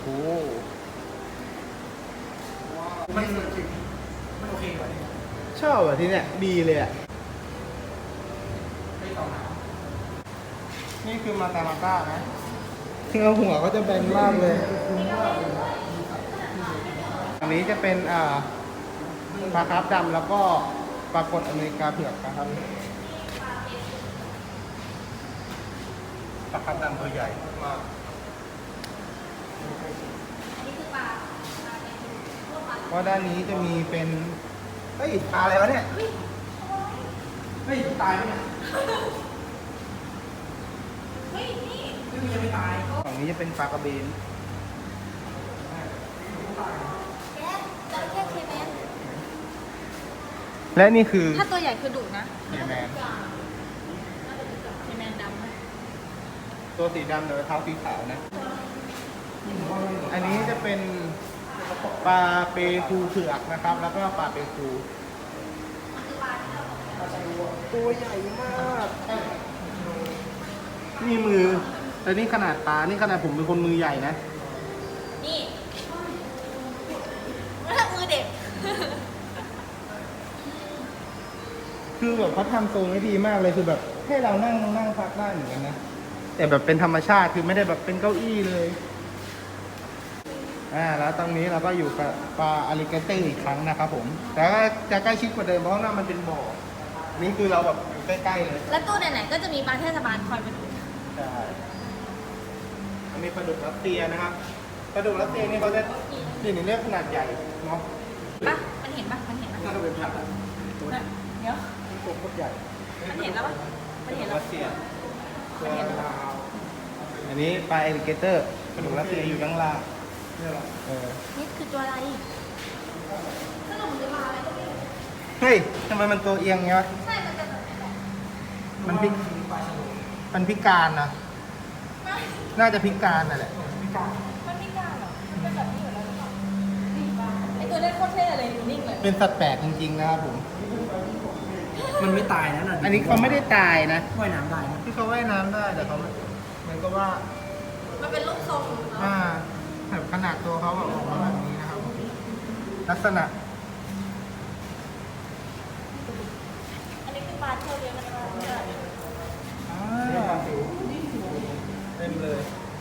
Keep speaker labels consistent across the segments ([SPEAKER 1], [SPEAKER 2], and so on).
[SPEAKER 1] โอ้
[SPEAKER 2] มันสวยจริงมันโอเคกว่านี้
[SPEAKER 1] ชอบอ่ะที่เนี้ยดีเลยอ่ะ
[SPEAKER 2] ไม่ต่อหนาว
[SPEAKER 1] นี่คือมาตามาต้านะถึงเอาหัวก็จะแบนมากเลยอันนี้จะเป็นปลาคาร์ฟดำแล้วก็ปลากดอเมริกาเผือกนะครับปลาคาร์ฟดำตัวใหญ่มากเพราะด้านนี้จะมีเป็นเฮ้ยปลาอะไรวะเนี่ย
[SPEAKER 2] เฮ้ยตายไหมเนี่ย
[SPEAKER 3] เฮ้ยนี่
[SPEAKER 2] ซึ่งยังไม่ตาย
[SPEAKER 1] ฝั่งนี้จะเป็นปลากระเบน
[SPEAKER 3] แกจระเข้เคแมน
[SPEAKER 1] และนี่คือ
[SPEAKER 3] ถ้าตัวใหญ่คือดุนะ
[SPEAKER 1] เคแมน
[SPEAKER 3] เคแมนดำนะ
[SPEAKER 1] ตัวสีดำแต่ว่าเท้าสีขาวนะ อันนี้จะเป็นปลาเปรูเผือกนะครับ แล้วก็ปลาเปรูตัวใหญ่มากนี่มือแล้วนี่ขนาดปลา นี่ขนาดผมเป็นคนมือใหญ่นะ
[SPEAKER 3] นี่ไม่ใช่มือเด็ก
[SPEAKER 1] คือแบบเขาทำโซนไว้ดีมากเลยคือแบบให้เรานั่งพักได้เหมือนกันนะ แต่แบบเป็นธรรมชาติคือไม่ได้แบบเป็นเก้าอี้เลยแล้วตรงนี้เราก็อยู่กับปลาอลิเกเตอร์อีกครั้งนะครับผม แต่ก็จะใกล้ชิดกว่าเดิมเพราะว่ามันเป็นบ่อ นี่คือเราแบบอยู่ใกล้ๆเลย
[SPEAKER 3] แล้วตู้ไหนๆก็จะมีปลาเทศบาลคอยมาดู
[SPEAKER 1] ใช่อันนี้ปลาดุกรัสเซียนะครับ ปลาดุกรัสเซียนี่เขาจะนี่เรียกขนาดใหญ่เนาะ
[SPEAKER 3] ปะมันเห็นปะมันเห็นปะ
[SPEAKER 2] น่าจะเป็นผักอะ
[SPEAKER 3] เดี๋ยว
[SPEAKER 1] ตัวโคตรใหญ่
[SPEAKER 3] มันเห็นแล้วปะมันเห็นแล้ว
[SPEAKER 1] รัสเซียตัวลาวอันนี้ปลาอลิเกเตอร์ปลาดุกรัสเซียอยู่ด้านล่าง
[SPEAKER 2] เนี่ยหรอ
[SPEAKER 3] นี่คือตัวอะไรขนมหรือปลาอะไร
[SPEAKER 1] เฮ้ยทำไมมันตัวเอียงเงี้ยวะ
[SPEAKER 3] ใช่มันจะแบบนี้แหละ
[SPEAKER 1] มันพิ
[SPEAKER 2] ปลาฉลาม
[SPEAKER 1] มันพิการนะน่าจะพิการน่ะแหละ
[SPEAKER 2] พิการ
[SPEAKER 3] มันไม่กล้าหรอมันเป็นแบบนี้อยู่แล้วหรือเปล่าไอตัวเล่นโคตรเท่เลยอยู่นิ่งเลย
[SPEAKER 1] เป็นสัตว์แปลกจริงๆนะครับผม
[SPEAKER 2] มันไม่ตายนะน่ะ
[SPEAKER 1] อันนี้เขาไม่ได้ตายนะ
[SPEAKER 2] ว่ายน้ำได้นะ
[SPEAKER 1] ที่เขาว่ายน้ำได้แต่เขาเหมือนกับว่า
[SPEAKER 3] มันเป็นรูปทรงเนาะ
[SPEAKER 1] แบบขนาดตัวเขาแบบออกมาแบบนี้นะครับผมลักษณะ
[SPEAKER 3] อันนี้คือปลาเที่ยวเลี้ยงกันมาเมื่อ
[SPEAKER 1] เต็มเลย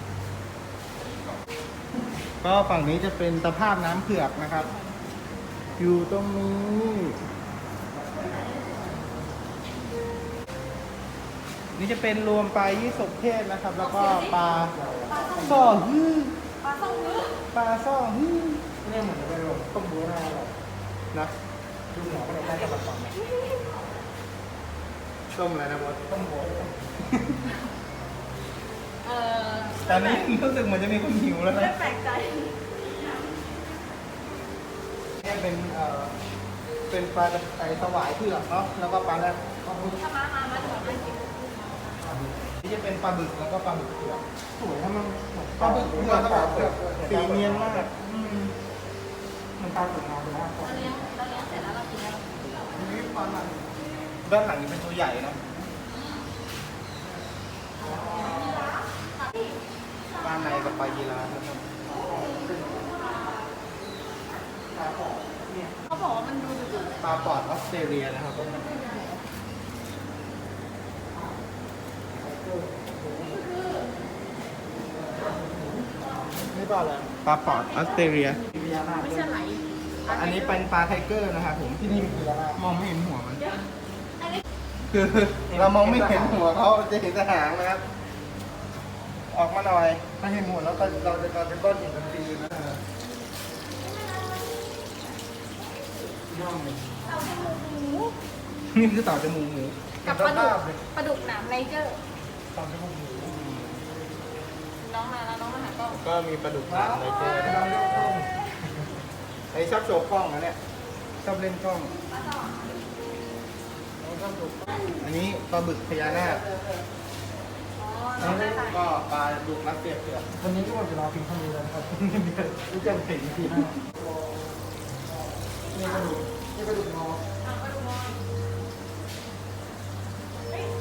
[SPEAKER 1] ก็ฝั่งนี้จะเป็นตะภาพน้ำเผือกนะครับ อยู่ตรงนี้ นี่จะเป็นรวมปลายี่สกเทศนะครับ แล้วก็ปลาซ่อฮื้อ
[SPEAKER 3] ปลาส่งมือ
[SPEAKER 1] ปลาซ่อฮื้อ
[SPEAKER 2] เนี่ยเหมือนจะเป็นแบบต้มบัวหน้าหรอก
[SPEAKER 1] นะ
[SPEAKER 2] ดูหมอก็ได้กระป๋องเนี่ย
[SPEAKER 1] ต้มอะไรนะบอส
[SPEAKER 2] ต้มบัว
[SPEAKER 3] เออ
[SPEAKER 1] ตอนนี้รู้สึกเหมือนจะมีคนหิวแล้ว
[SPEAKER 3] ไม่
[SPEAKER 1] นะ
[SPEAKER 3] แปลกใจ
[SPEAKER 1] เนี่ยเป็นปลาไอสวายเผือกเนาะแล้วก็ปลาแรด
[SPEAKER 3] ถ้ามาถึงไม่กิน
[SPEAKER 1] นี่จะเป็นปลาบึกแล้วก็ปลาบึกเผือก
[SPEAKER 2] สวยถ้ามัน
[SPEAKER 1] ปลาบึกเผือกแบบสีเนียนมาก
[SPEAKER 2] มันตาสวยงามเลยนะ
[SPEAKER 3] เราเลี้ยงเสร็จแล้วเรากินแล้ว
[SPEAKER 1] นี่ปลาหลังด้านหลังนี่เป็นตัวใหญ่นะปลาในกับปลายีราฟนะครับ
[SPEAKER 3] เขาบอกว่ามันดูดุ
[SPEAKER 1] ปลาปอดออสเตรเลียนะครับนี่ปลาอะไรปลาปอดออสเตรเลีย
[SPEAKER 3] ไม่ใช่ไหล
[SPEAKER 1] อันนี้เป็นปลาไทเกอร์นะครับผมที่นี่คือมองไม่เห็นหัวมัน
[SPEAKER 3] อันนี้
[SPEAKER 1] คือเรามองไม่เห็นหัวเขาจะเห็นแต่หางนะครับ ออกมาหน่อยถ้าเห็นหัวแล้วก็เราจะกลายเป็นก้อนหินทันทีนะ
[SPEAKER 2] ย่องเลย
[SPEAKER 3] เต่าจมูกหมู
[SPEAKER 1] นี่คือเต่าจมูกหมู
[SPEAKER 3] กับปลาดุกปลาดุกหนามไนเจอร์
[SPEAKER 2] ตอนที่พวกหมู
[SPEAKER 3] น้องมาแล้วน้องมาหาก็
[SPEAKER 1] ก็มีปลาดุกหางอะไรเจอไอ้ชอบโชว์กล้องนะเนี่ยชอบเล่นกล้อง อันนี้ปลาบึกพญานาค
[SPEAKER 3] อ๋อ
[SPEAKER 1] อั
[SPEAKER 3] น้อง
[SPEAKER 1] น
[SPEAKER 3] ได้
[SPEAKER 1] นี้
[SPEAKER 3] ไป
[SPEAKER 1] ก็ปลาดุกรัสเซียเผือก
[SPEAKER 2] วันนี้ก็หมดเวลาเพียงเท่านี้แล้วนะครับรู้จักเสียงทีนะนี่กระดูกนี่กระดูกงอ
[SPEAKER 3] เอาปลาดุกน้อยเฮ้ย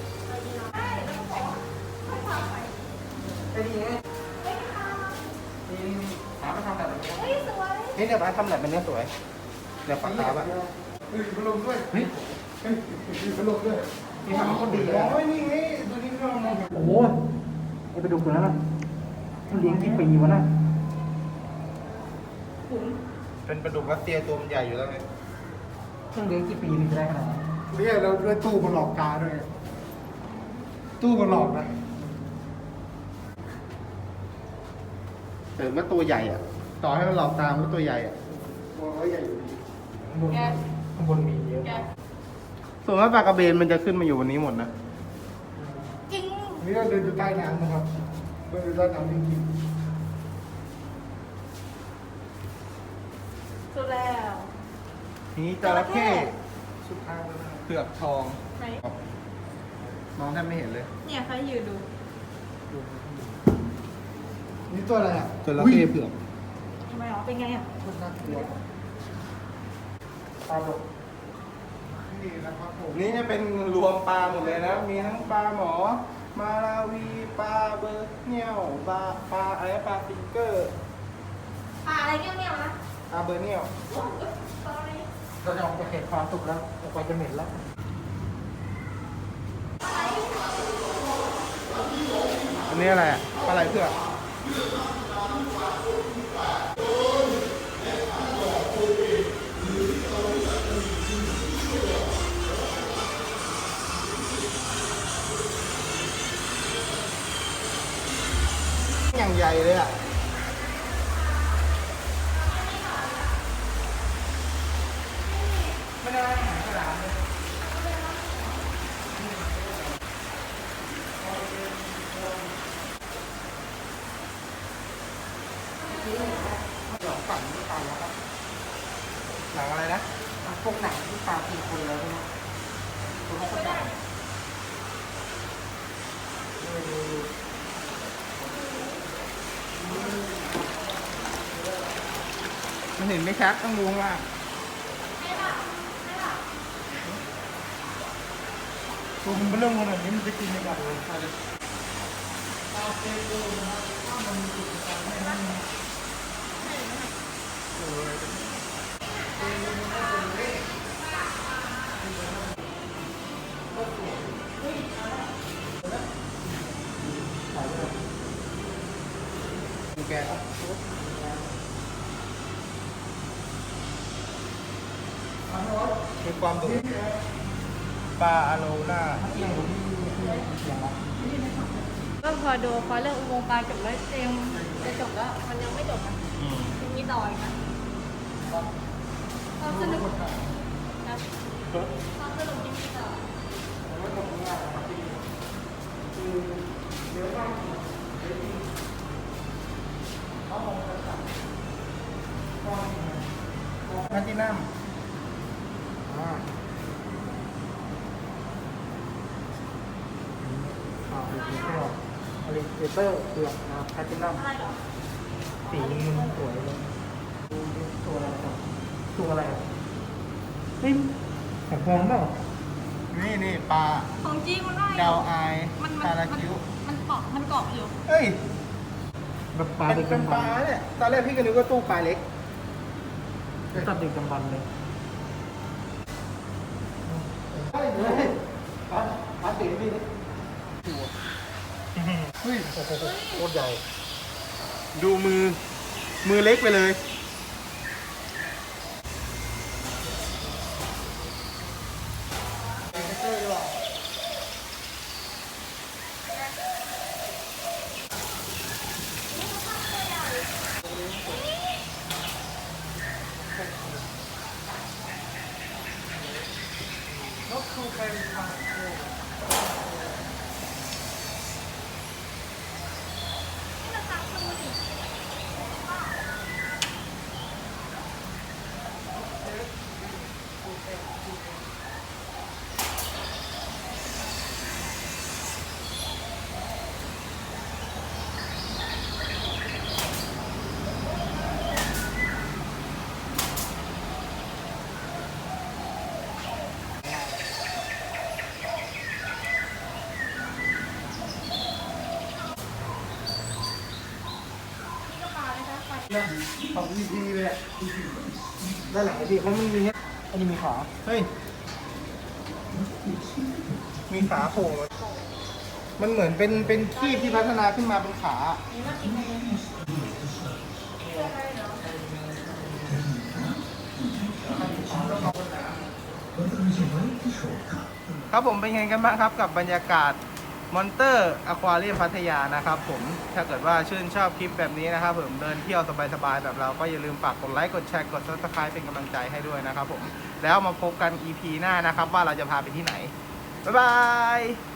[SPEAKER 3] ได้แล้วก็บอกว่าไม่พาไป
[SPEAKER 2] ไอ้นี่ไง
[SPEAKER 3] ไม่พา
[SPEAKER 2] นี่
[SPEAKER 3] เฮ้ยสวย
[SPEAKER 1] นี่เนี่ยป้าทำแบบเป็นเนื้อสวยเดี๋ยวปากกาบอ่ะ
[SPEAKER 2] พัดลมด้วยเฮ้ยพัดลมด้วยนี่ทำคนดี
[SPEAKER 1] โอ้ยนี่ไงตัวนี้เรามอง
[SPEAKER 2] โอ้โหไอ้ปลาดุกตัวนั้นน่ะมันเลี้ยงกี่ปีวะน่ะ
[SPEAKER 1] เป็นปลาดุกรัสเซียตัวมันใหญ่อยู่แล้วไง
[SPEAKER 2] มันเลี้ยงกี่ปีถึงจะได้ขนาดนั้นเนี่ยเราด้วยตู้มาหลอกตาด้วยตู้มาหลอกนะ
[SPEAKER 1] แต่มันตัวใหญ่อ่ะ ต่อให้มันหลอกตามมันก็ตัวใหญ่อ่ะ
[SPEAKER 2] มองแล้วใหญ่อยู่ดีข้างบนมีเยอะ
[SPEAKER 3] แก
[SPEAKER 1] ส่วนมากปลากระเบนมันจะขึ้นมาอยู่บนนี้หมดนะ
[SPEAKER 3] จริง
[SPEAKER 2] นี่เราเดินอยู่ใต้น้ำนะครับเดินอยู่ใต้น้ำจริง
[SPEAKER 3] สุดแล้ว
[SPEAKER 1] นี่จระเข้
[SPEAKER 2] ๆสุดท้ายแล้วนะ
[SPEAKER 1] เผือกทอง
[SPEAKER 3] ไหน
[SPEAKER 1] มองแทบไม่เห็นเลย
[SPEAKER 3] เนี่ยใครยืนดู
[SPEAKER 2] นี่ตัวอะไรอ่ะ
[SPEAKER 1] จระเข้เผือก
[SPEAKER 3] ทำไมหรอเป็นไงอ่ะ
[SPEAKER 2] คนน่ากลัวปลาหลกนี่นะครับผม
[SPEAKER 1] นี่จะเป็นรวมปลาหมดเลยนะ มีทั้งปลาหมอ มาลาวีปลาเบอร์เนียวปลาอะไรปลาฟิงเกอร์
[SPEAKER 3] อะไรเงี้ยนะ
[SPEAKER 1] ปลาเบอร์เนียว
[SPEAKER 2] เราจะออกจากเขตความสุขแล้วออกไปจะเหม็นแล้ว
[SPEAKER 1] อันนี้อะไรอ่ะปลาไหลเผือกอย่างใหญ่เลยอ่ะ
[SPEAKER 2] ไม่ได้อาหารฉลามเลยหลอกฝันที่ตายแล้วครับ
[SPEAKER 1] หนังอะไรนะ
[SPEAKER 2] พวกหนังที่ตายกินคนแล้วใช่ไหมตัวเขาก็ตาย
[SPEAKER 1] มันเห็นไม่ชัดต้องดูข้างล่าง
[SPEAKER 2] ตัวมันเป็นเรื่องขนาดนี้มันจะกินยังไงเลย
[SPEAKER 1] ดูแกมีความดุปลาอะโลน่า
[SPEAKER 3] ก็พอดูพอเรื่องอุโมงค์ปลาจบแล้วเต็มจะจบแล้วมันยังไม่จบนะยังมีต่ออีกนะความสนุกนะความสนุกยังมีต่อ
[SPEAKER 1] แพลตินัม
[SPEAKER 2] อลิเกเตอร์เผือกนะแพทินัม
[SPEAKER 3] อะไรเหรอ
[SPEAKER 2] สีมันสวยเลยดูดิตัวอะไรครับตัวอะไรอ่ะเฮ้ยของพองเปล่า
[SPEAKER 1] นี่ปลา
[SPEAKER 3] ของจริงมันได้
[SPEAKER 1] ดาวไอาย
[SPEAKER 3] มัน
[SPEAKER 1] ปลาลาคิ้ว
[SPEAKER 3] มันเกาะอยู่
[SPEAKER 1] เอ้ย
[SPEAKER 2] แบบปลา
[SPEAKER 1] เป็น
[SPEAKER 2] เด็ก
[SPEAKER 1] เป็น
[SPEAKER 2] กำ
[SPEAKER 1] ป
[SPEAKER 2] บั
[SPEAKER 1] ลาน เนี่ย ตอนแรกพี่ก็นึกว่าตู้ปลาเล็ก
[SPEAKER 2] สัตว์เด็กกำบันเลย
[SPEAKER 1] เฮ้ยปลาสีนี่
[SPEAKER 2] เฮ้ยโอ้โหโคตรใหญ่
[SPEAKER 1] ดูมือเล็กไปเลยของ EP เลยอะ
[SPEAKER 2] ด้านหลังไอ้พี่เพราะมันมีเนี่ยอันนี้มีขา
[SPEAKER 1] เฮ้ย มีขาโผล่มามันเหมือนเป็นคีบที่พัฒนาขึ้นมาเป็นขา ครับผมเป็นไงกันบ้างครับกับบรรยากาศมอนเตอร์อควาเรียมพัทยานะครับผมถ้าเกิดว่าชื่นชอบคลิปแบบนี้นะครับผมเดินเที่ยวสบายๆแบบเราก็อย่าลืมฝากกดไลค์กดแชร์กด Subscribe เป็นกำลังใจให้ด้วยนะครับผมแล้วมาพบกัน EP หน้านะครับว่าเราจะพาไปที่ไหนบ๊ายบาย